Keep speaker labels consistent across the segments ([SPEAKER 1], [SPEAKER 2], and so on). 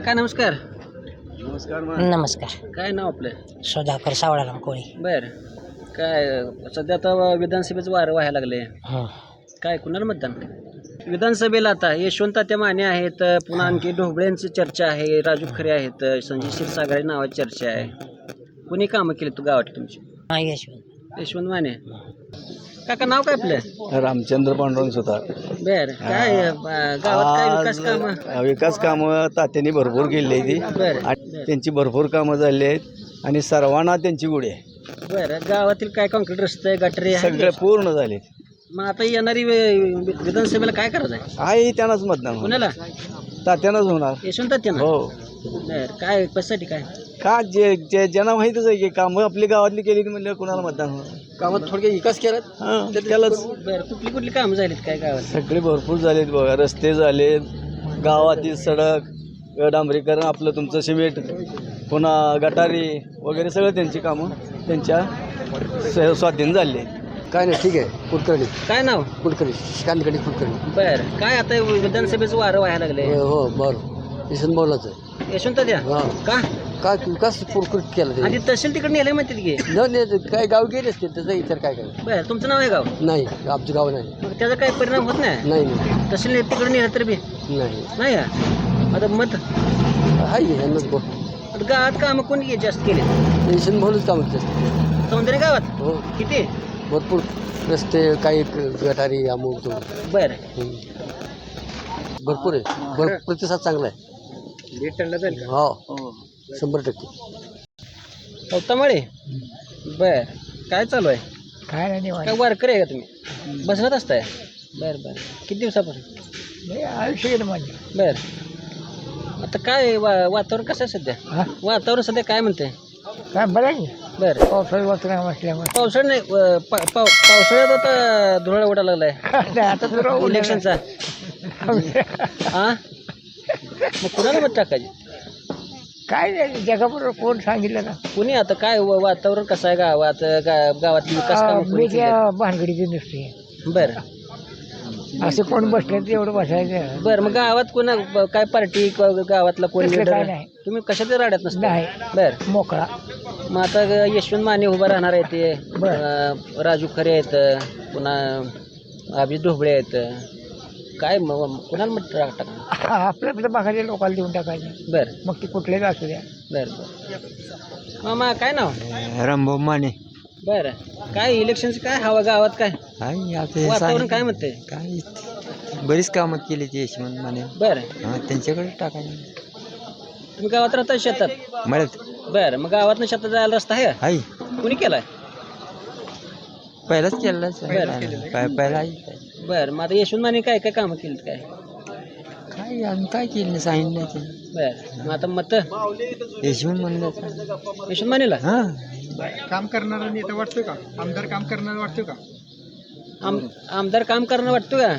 [SPEAKER 1] काका नमस्कार.
[SPEAKER 2] नमस्कार.
[SPEAKER 1] काय नाव आपलं?
[SPEAKER 2] सुधाकर सावळाराम कोळी.
[SPEAKER 1] बर. काय सध्या आता विधानसभेचं वारं व्हायला लागले.
[SPEAKER 2] हं.
[SPEAKER 1] काय कुणाला मतदान? विधानसभेला आता यशवंत तात्या माने आहेत, पुन्हा आणखी ढोबळेंची चर्चा आहे, राजू खरे आहेत, संजय क्षीरसागर नावाची चर्चा आहे. कुणी कामं केली तू गावात तुमची?
[SPEAKER 2] हा, यशवंत.
[SPEAKER 1] यशवंत माने. काका नाव काय आपलं?
[SPEAKER 3] रामचंद्र पांडुरंग सुतार.
[SPEAKER 1] बर. काय गावात काय विकास कामं?
[SPEAKER 3] विकास कामं तात्यांनी भरपूर केली ती
[SPEAKER 1] बर.
[SPEAKER 3] आणि त्यांची भरपूर कामं झाली आहेत आणि सर्वांना त्यांची गुढी आहे.
[SPEAKER 1] बर. गावातील काय कॉन्क्रीट रस्ते गटरी
[SPEAKER 3] सगळे पूर्ण झाले.
[SPEAKER 1] मग आता येणारी विधानसभेला काय करायचं आहे?
[SPEAKER 3] आहे त्यांनाच मतदान होणार.
[SPEAKER 1] कुणाला?
[SPEAKER 3] तात्यानंच होणार.
[SPEAKER 1] यशवंत तात्यानं?
[SPEAKER 3] हो.
[SPEAKER 1] बर. काय कशासाठी काय?
[SPEAKER 3] का जे ज्यांना माहितच आहे की कामं आपली गावातली केली म्हणजे कुणाला मतदान होणार.
[SPEAKER 1] गावात थोडक्यात विकास केला.
[SPEAKER 3] हां त्यालाच
[SPEAKER 1] बर. कुठली कामं झालीत काय गावात?
[SPEAKER 3] सगळे भरपूर झालेत बघा. रस्ते झालेत, गावातील सडक, डांबरीकरण, आपलं तुमचं सिमेंट, पुन्हा गटारी वगैरे सगळं त्यांची कामं त्यांच्या स्वाधीन झाली आहेत.
[SPEAKER 4] काय नाही, ठीक आहे. कुलकर्णी
[SPEAKER 1] काय नाव?
[SPEAKER 4] कुलकर्णी कांदकडी कुलकर्णी.
[SPEAKER 1] बर. काय आता विधानसभेचं वारं व्हायला लागले.
[SPEAKER 4] हो बरं. किसन बोलाच आहे.
[SPEAKER 1] यशवंत तात्या
[SPEAKER 4] हां.
[SPEAKER 1] का?
[SPEAKER 4] काय विकास कुलकर्णी केला ते
[SPEAKER 1] आणि तहसील तिकडे नेले म्हणते की.
[SPEAKER 4] न नाही, काय गाव गेले असते त्याचा इतर काय काय
[SPEAKER 1] बर. तुमचं नाव आहे गाव?
[SPEAKER 4] नाही, आमचं गाव नाही.
[SPEAKER 1] मग त्याचा काही परिणाम होत नाही?
[SPEAKER 4] नाही नाही
[SPEAKER 1] तहसील तिकडे नेलं तर बी
[SPEAKER 4] नाही
[SPEAKER 1] नाही का? आता मत
[SPEAKER 4] आहे यांनाच बोल.
[SPEAKER 1] आता गावात कामं कोणी जास्त केले?
[SPEAKER 4] किसन बोलच काम केलं असते.
[SPEAKER 1] सौंदर्य गावात
[SPEAKER 4] हो,
[SPEAKER 1] किती?
[SPEAKER 4] भरपूर रस्ते, काही गटारी, अमुक तो
[SPEAKER 1] बर.
[SPEAKER 4] भरपूर आहे. प्रतिसाद चांगला आहे. हो, 100%.
[SPEAKER 1] गौतमळे. बर. काय चालू आहे?
[SPEAKER 2] काय नाही
[SPEAKER 1] काय वारकरी आहे का तुम्ही? बसत असताय? बर बर. किती दिवसापासून?
[SPEAKER 2] आयुष्य गेलं माझे.
[SPEAKER 1] बर. आता काय वातावरण कसं आहे सध्या?
[SPEAKER 2] हा,
[SPEAKER 1] वातावरण सध्या काय म्हणते?
[SPEAKER 2] काय बरं आहे.
[SPEAKER 1] बर.
[SPEAKER 2] पावसाळी वातावरण असल्यामुळे
[SPEAKER 1] पावसाळ्यात नाही पावसाळ्यात आता धुळा उडायला लागलाय
[SPEAKER 2] आता तर
[SPEAKER 1] इलेक्शनचा. हा, मग कुणाला मत टाकायचे?
[SPEAKER 2] काय नाही, जगाबरोबर कोण सांगितलं ना.
[SPEAKER 1] कुणी आता काय वातावरण कसं आहे गावात? गावातली विकास कामं कोणी
[SPEAKER 2] मी
[SPEAKER 1] केली?
[SPEAKER 2] त्या भानगडीची नुसती
[SPEAKER 1] बरं.
[SPEAKER 2] असं कोण बसलं तेवढं बसायचं
[SPEAKER 1] बरं. मग गावात कोणा काय पार्टी गावातला कोण
[SPEAKER 2] तसलं
[SPEAKER 1] leader?
[SPEAKER 2] काय नाही.
[SPEAKER 1] तुम्ही कशाच्या राड्यात नसता?
[SPEAKER 2] नाही.
[SPEAKER 1] बरं.
[SPEAKER 2] मोकळा.
[SPEAKER 1] मग आता यशवंत माने उभा राहणार आहे ते, राजू खरे आहेत, पुन्हा अभिजित ढोबळे आहेत. काय कुणाला मत टाकणार?
[SPEAKER 2] आपल्या आपल्या भागाच्या लोकांना देऊन टाकायचे.
[SPEAKER 1] बरं.
[SPEAKER 2] मग ते कुठलेच असू द्या.
[SPEAKER 1] बरं बरं. मामा काय नाव?
[SPEAKER 3] रामभाऊ माने.
[SPEAKER 1] बरं. काय इलेक्शनचं काय हवा गावात? काय वातावरण काय म्हणते?
[SPEAKER 3] काय बरीच कामं केली ती यशवंत माने.
[SPEAKER 1] बरं.
[SPEAKER 3] त्यांच्याकडे टाकायचं.
[SPEAKER 1] तुम्ही गावात राहता शेतात?
[SPEAKER 3] मळ्यात
[SPEAKER 1] बरं. मग गावात शेतात जायला रस्ता आहे?
[SPEAKER 3] आहे.
[SPEAKER 1] कुणी केलाय?
[SPEAKER 3] पहिलाच केलं पहिला
[SPEAKER 1] बरं. मग आता यशवंत माने काय काय कामं केलीत काय?
[SPEAKER 3] काय आम्ही काय केलं नाही, सांगितलं नाही.
[SPEAKER 1] बरं. मग आता मत
[SPEAKER 3] यशवंत म्हणलं
[SPEAKER 1] यशवंत मानेला?
[SPEAKER 3] हां.
[SPEAKER 4] काम करणारा नेता वाटतोय का? आमदार काम करणारा वाटतोय का?
[SPEAKER 1] आमदार काम करणं वाटतं का?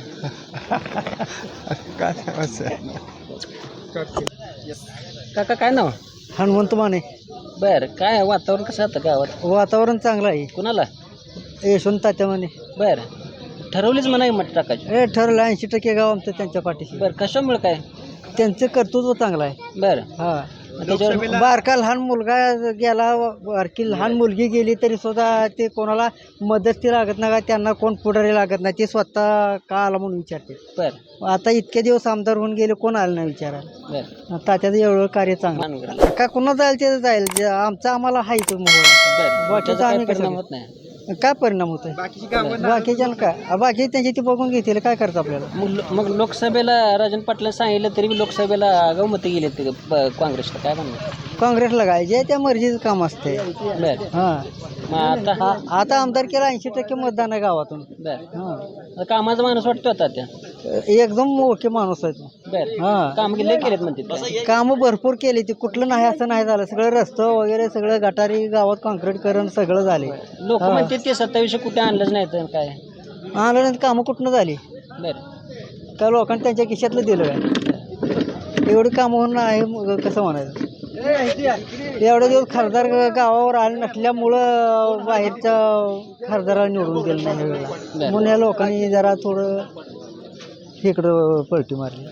[SPEAKER 1] काका काय नाव?
[SPEAKER 2] हनुमंत माने.
[SPEAKER 1] बरं. काय वातावरण कसं आता गावात?
[SPEAKER 2] वातावरण चांगलं आहे.
[SPEAKER 1] कुणाला?
[SPEAKER 2] यशवंत तात्या माने.
[SPEAKER 1] बरं. ठरवलीच म्हणा मत टाकायची?
[SPEAKER 2] हे ठरलं 80% गाव आमचं त्यांच्या पाठीशी.
[SPEAKER 1] बरं. कशामुळे काय?
[SPEAKER 2] त्यांचं कर्तृत्व चांगलं आहे.
[SPEAKER 1] बरं.
[SPEAKER 2] हा.
[SPEAKER 1] त्याच्यावर
[SPEAKER 2] बारका लहान मुलगा गेला, बारकी लहान मुलगी गेली तरी सुद्धा ते कोणाला मदत लागत नाही, त्यांना कोण पुढारी लागत नाही, ते स्वतः का आला म्हणून विचारते.
[SPEAKER 1] बरं.
[SPEAKER 2] आता इतके दिवस आमदार होऊन गेले, कोण आलं नाही विचारायला.
[SPEAKER 1] बरं.
[SPEAKER 2] तात्याचं एवढं कार्य चांगलं का कुणा जाईल ते जाईल, आमचं आम्हाला हायच
[SPEAKER 1] बरं.
[SPEAKER 2] बाकीचं आम्ही
[SPEAKER 1] परिणाम
[SPEAKER 2] कसं
[SPEAKER 1] होत नाही.
[SPEAKER 2] काय परिणाम होतोय बाकीच्या काय बाकी त्यांची ती बघून घेतील, काय करतं आपल्याला.
[SPEAKER 1] मग लोकसभेला राजन पाटला सांगितलं तरी बी लोकसभेला आगाऊ मतं गेले ते काँग्रेसला. काय म्हणणार?
[SPEAKER 2] काँग्रेसला काय जे त्या मर्जीचं काम असते.
[SPEAKER 1] बरं.
[SPEAKER 2] हां.
[SPEAKER 1] मग
[SPEAKER 2] आता आमदार केला 80% मतदान आहे गावातून.
[SPEAKER 1] बरं.
[SPEAKER 2] हां.
[SPEAKER 1] कामाचा माणूस वाटतो आता त्या?
[SPEAKER 2] एकदम ओके माणूस आहे तो.
[SPEAKER 1] बरं.
[SPEAKER 2] हां.
[SPEAKER 1] काम केले केलेत म्हणते.
[SPEAKER 2] कामं भरपूर केली ती, कुठलं नाही असं नाही झालं. सगळं रस्तं वगैरे सगळं गटारी गावात कॉन्क्रीटकरण सगळं झाले.
[SPEAKER 1] लोक म्हणते ते 27 कुठे आणलंच नाही तर काय?
[SPEAKER 2] आणलं नाही, कामं कुठनं झाली?
[SPEAKER 1] बरं.
[SPEAKER 2] का लोकांनी त्यांच्या खिशातलं दिलं काय? एवढी कामं होणं आहे कसं म्हणायचं. एवढे दिवस खासदार गावावर आले नसल्यामुळं बाहेरच्या खासदाराला निवडून दिलं नाही. म्हणून या लोकांनी जरा थोडं इकडं पलटी मारली.
[SPEAKER 1] बरं.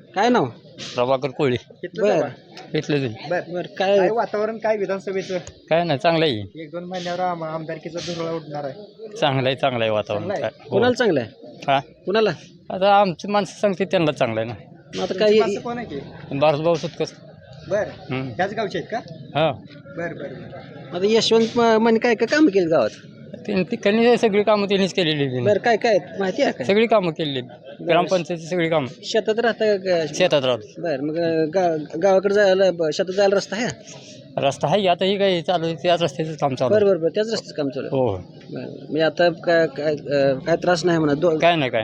[SPEAKER 1] काय नाव?
[SPEAKER 5] प्रभाकर कोळी
[SPEAKER 1] बर
[SPEAKER 5] इथलं
[SPEAKER 1] बर काय
[SPEAKER 4] काय वातावरण काय विधानसभेचं
[SPEAKER 5] काय नाही चांगलं आहे
[SPEAKER 4] 1-2 महिन्यावर आमदारकीचा धुरळा उडणार आहे.
[SPEAKER 5] चांगलं आहे वातावरण
[SPEAKER 4] चांगलं आहे.
[SPEAKER 5] काय हो.
[SPEAKER 1] कुणाला चांगलं आहे?
[SPEAKER 5] हा
[SPEAKER 1] कुणाला?
[SPEAKER 5] आता आमची माणसं सांगते त्यांना चांगलं आहे
[SPEAKER 1] मग आता काय
[SPEAKER 4] माणसं कोण आहे की
[SPEAKER 5] ना भारतभाऊ सुतकस
[SPEAKER 4] बर
[SPEAKER 5] हम्म.
[SPEAKER 4] त्याच गावचे आहेत का?
[SPEAKER 5] हा
[SPEAKER 4] बर बर बर.
[SPEAKER 1] आता यशवंत माने काय काय काम केली गावात?
[SPEAKER 5] त्यांनी सगळी कामं त्यांनीच केलेली आहेत.
[SPEAKER 1] बर काय काय माहिती आहे काय?
[SPEAKER 5] सगळी कामं केलेली आहेत. ग्रामपंचायतीची सगळी कामं
[SPEAKER 1] शेतात राहता का?
[SPEAKER 5] शेतात राहतो
[SPEAKER 1] बर मग गावाकडे जायला शेतात जायला रस्ता आहे?
[SPEAKER 5] रस्ता आहे आता ही काही चालू आहे त्याच रस्त्याचं काम चालू आहे.
[SPEAKER 1] बरं त्याच रस्त्याचं काम चालू आहे.
[SPEAKER 5] हो
[SPEAKER 1] बरं मी आता काय काय काय त्रास नाही म्हणा
[SPEAKER 5] काय नाही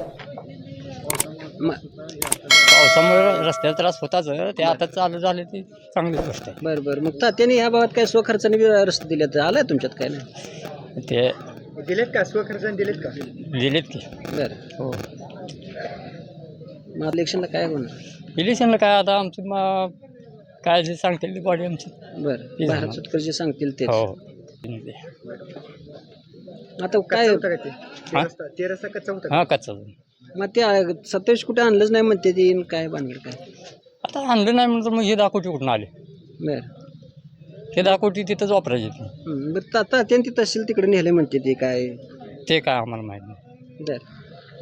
[SPEAKER 5] पावसामुळे रस्त्याचा त्रास होताच ते आता चालू झाले ती चांगली गोष्ट आहे.
[SPEAKER 1] बरं मग तात्याने या भागात काय स्वखर्चाने रस्ते दिले आलाय तुमच्यात काय नाही?
[SPEAKER 5] ते
[SPEAKER 4] दिलेत का स्वखर्चाने दिलेत का?
[SPEAKER 5] दिलेत की
[SPEAKER 1] बरं
[SPEAKER 5] हो
[SPEAKER 1] मग इलेक्शनला काय होणार?
[SPEAKER 5] इलेक्शनला काय आता आमची काय जे सांगतील ती बॉडी आमची
[SPEAKER 1] बरं भारत सुटकर जे सांगतील ते.
[SPEAKER 5] हो
[SPEAKER 1] आता काय
[SPEAKER 4] कच्चा होता का ते?
[SPEAKER 5] हा?
[SPEAKER 4] ते रस्ता कच्चा होता का?
[SPEAKER 5] हां कच्चा
[SPEAKER 1] मग ते 27 कुठे आणलंच नाही म्हणते ते काय बांधलं काय?
[SPEAKER 5] आता आणलं नाही म्हणून तर मग हे 10 कोटी कुठून आले
[SPEAKER 1] बरं
[SPEAKER 5] ते 10 कोटी तिथंच वापरायचे ते.
[SPEAKER 1] बरं तात्याने ती तहसील तिकडे नेले म्हणते ते काय?
[SPEAKER 5] ते काय आम्हाला माहीत नाही.
[SPEAKER 1] बरं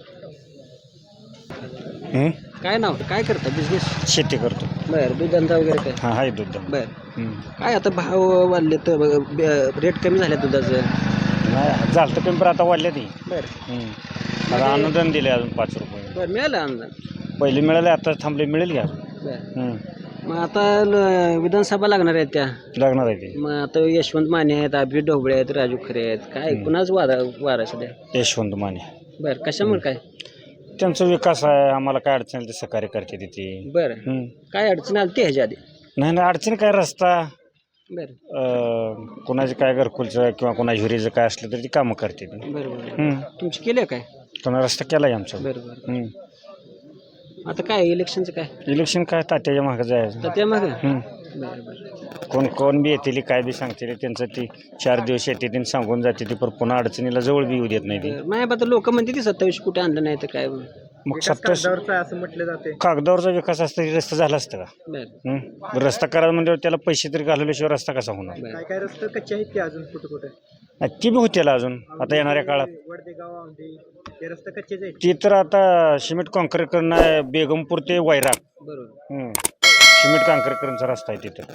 [SPEAKER 1] काय नाव काय करता बिझनेस?
[SPEAKER 3] शेती करतो.
[SPEAKER 1] बरं दूध धंदा वगैरे काय?
[SPEAKER 3] हां आहे दूध.
[SPEAKER 1] बरं काय आता भाव वाढले तर रेट कमी झाले दुधाचं?
[SPEAKER 3] नाही झालं तर पेपर आता वाढले ती.
[SPEAKER 1] बरं
[SPEAKER 3] आता अनुदान दिले अजून 5 रुपये.
[SPEAKER 1] बरं मिळालं अनुदान?
[SPEAKER 3] पहिले मिळाले आता थांबले मिळेल घ्या.
[SPEAKER 1] बरं मग आता विधानसभा लागणार आहेत त्या
[SPEAKER 3] लागणार आहे ते.
[SPEAKER 1] मग आता यशवंत माने आहेत, अभिजित ढोबळे आहेत, राजू खरे आहेत, काय कुणाच वारा सध्या?
[SPEAKER 3] यशवंत माने.
[SPEAKER 1] बरं कशामुळे काय?
[SPEAKER 3] त्यांचा विकास आहे आम्हाला काय अडचण ते सहकार्य करते तिथे.
[SPEAKER 1] बरं काय अडचण आली ती ह्याच्या आधी?
[SPEAKER 3] नाही अडचण काय रस्ता
[SPEAKER 1] बरं
[SPEAKER 3] कोणाचे काय घरकुलचं किंवा कोणाच्या हिरीचं काय असलं तरी ती कामं करते ती.
[SPEAKER 1] बरं तुमची केली काय?
[SPEAKER 3] कोणा रस्ता केला आहे आमचा.
[SPEAKER 1] बरं आता काय इलेक्शनचं काय?
[SPEAKER 3] इलेक्शन काय तात्याच्या मागं जायचं.
[SPEAKER 1] तर त्या मागं बरं
[SPEAKER 3] कोण बी येतील काय बी सांगतील त्यांचं ती 4 दिवस येते सांगून जाते ती पण पुन्हा अडचणीला जवळ बी येऊ देत नाही ती.
[SPEAKER 1] नाही आता लोक म्हणते ती 27 कुठे आणलं नाही तर काय?
[SPEAKER 3] मग 27
[SPEAKER 4] कागदावरचा असं म्हटलं जाते.
[SPEAKER 3] कागदावरचा विकास असता रस्ता झाला असता का?
[SPEAKER 1] बरं
[SPEAKER 3] रस्ता करायला म्हणजे त्याला पैसे तरी घालवल्याशिवाय रस्ता कसा होणार?
[SPEAKER 4] काय काय रस्ते कच्चे आहेत की अजून कुठे
[SPEAKER 3] नाही, ती बी होतील अजून आता येणाऱ्या काळात.
[SPEAKER 4] वडदेगाव औंढे ते रस्ते कच्चेच आहेत.
[SPEAKER 3] ती तर आता सिमेंट कॉन्क्रीट करणं बेगमपूर ते वैराग
[SPEAKER 1] बरोबर
[SPEAKER 3] सिमेंट कॉन्क्रीटकरणचा रस्ता आहे तिथं.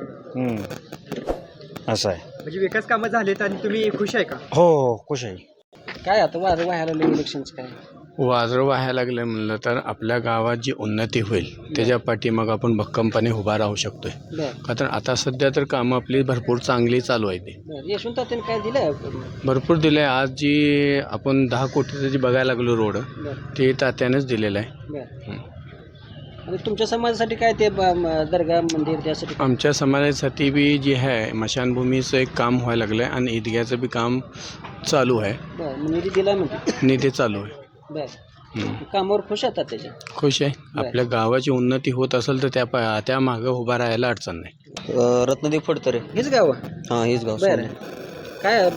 [SPEAKER 3] असं आहे.
[SPEAKER 4] म्हणजे विकास कामं झालेत आणि तुम्ही खुश आहे का?
[SPEAKER 3] हो खुश आहे.
[SPEAKER 1] काय आता वारं व्हायला लागलं इलेक्शनचं काय?
[SPEAKER 6] वाजरं व्हायला लागलं म्हणलं तर आपल्या गावात जी उन्नती होईल त्याच्या पाठीमाग आपण भक्कमपणे उभा राहू शकतोय.
[SPEAKER 1] बरं
[SPEAKER 6] कारण आता सध्या तर कामं आपली भरपूर चांगली चालू आहे. ते
[SPEAKER 1] बरं यशवंत तात्याने काय दिलं?
[SPEAKER 6] भरपूर दिलं आहे. आज जी आपण 10 कोटीचं जी बघायला लागलो रोड
[SPEAKER 1] बरं
[SPEAKER 6] ते तात्यानेच दिलेलं आहे.
[SPEAKER 1] बरं आणि तुमच्या समाजासाठी काय ते दर्गा मंदिर त्यासाठी?
[SPEAKER 6] आमच्या समाजासाठी बी जे आहे मशानभूमीचं एक काम व्हायला लागलं आहे आणि ईदग्याचं बी काम चालू आहे.
[SPEAKER 1] बरं मग निधी दिला म्हणते?
[SPEAKER 6] निधी चालू आहे.
[SPEAKER 1] बरं कामावर खुश होतात त्याच्या?
[SPEAKER 6] खुश आहे. आपल्या गावाची उन्नती होत असेल तर त्या मागं उभा राहायला अडचण नाही.
[SPEAKER 3] रत्नदीप फडतरे.
[SPEAKER 1] हेच गाव?
[SPEAKER 3] हां हेच गाव.
[SPEAKER 1] बरं काय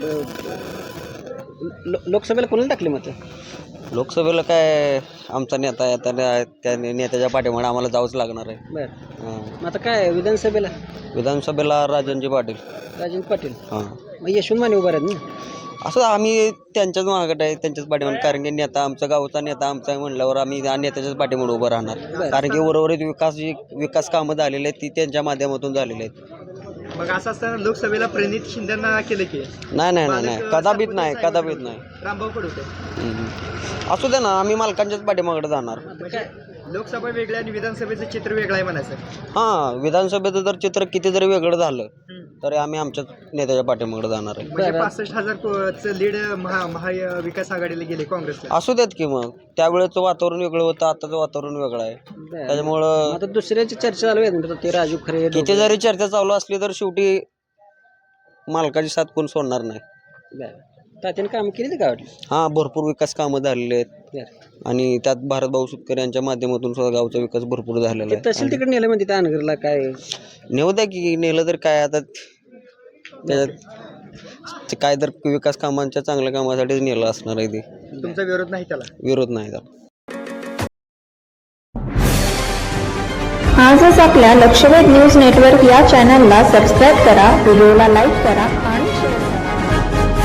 [SPEAKER 1] लोकसभेला कोणाला टाकले मत?
[SPEAKER 3] लोकसभेला काय आमचा नेता आहे त्या नेत्याच्या पाठीमागे आम्हाला जावंच लागणार आहे.
[SPEAKER 1] बरं मग आता काय विधानसभेला?
[SPEAKER 3] विधानसभेला राजनजी पाटील.
[SPEAKER 1] राजेंद्र पाटील.
[SPEAKER 3] हां
[SPEAKER 1] मग यशवंत माने उभा आहेत ना?
[SPEAKER 3] असं आम्ही त्यांच्याच मागत आहे त्यांच्याच पाठीमागे कारण की नेता आमचा गावचा नेता आमचा म्हणल्यावर आम्ही नेत्याच्याच पाठीमागे उभं राहणार. कारण की उर्वरित विकास कामं झालेली आहेत ती त्यांच्या माध्यमातून झालेली आहेत.
[SPEAKER 4] मग असं असताना लोकसभेला प्रणित शिंदेना केलं की
[SPEAKER 3] नाही कदापित नाही.
[SPEAKER 4] रामभाऊ पडवते.
[SPEAKER 3] असू दे ना आम्ही मालकांच्याच पाठीमागे जाणार.
[SPEAKER 4] लोकसभा वेगळी आणि विधानसभेचं चित्र वेगळं आहे म्हणायचं.
[SPEAKER 3] हां विधानसभेचं जर चित्र किती जरी वेगळं झालं तरी आम्ही आमच्याच नेत्याच्या पाठीमागे जाणार आहे.
[SPEAKER 4] म्हणजे 65,000 लीड महाविकास आघाडीला गेले काँग्रेसला.
[SPEAKER 3] असू देत की मग त्यावेळेचं वातावरण वेगळं होतं आताचं वातावरण वेगळं आहे. त्याच्यामुळं
[SPEAKER 1] आता दुसऱ्याची चर्चा चालू आहे ते राजू खरे.
[SPEAKER 3] किती जरी चर्चा चालू असली तर शेवटी मालकाची साथ कोण सोडणार नाही.
[SPEAKER 1] तात्याने काम केली का?
[SPEAKER 3] हां भरपूर विकास कामं झालेले आहेत आणि त्यात भारतभाऊ सुतकर यांच्या माध्यमातून सुद्धा गावचा विकास भरपूर झालेला आहे.
[SPEAKER 1] तहसील तिकडे नेलं म्हणते त्या नगरला काय?
[SPEAKER 3] नेऊ द्या की नेलं तर काय आता त्याच्यात काय तर विकास कामांच्या चांगल्या कामासाठीच नेलं असणार आहे. ते
[SPEAKER 4] तुमचा विरोध नाही त्याला?
[SPEAKER 3] विरोध नाही त्याला.
[SPEAKER 7] आजच आपल्या लक्षवेध न्यूज नेटवर्क या चॅनलला सबस्क्राईब करा, व्हिडिओला लाईक करा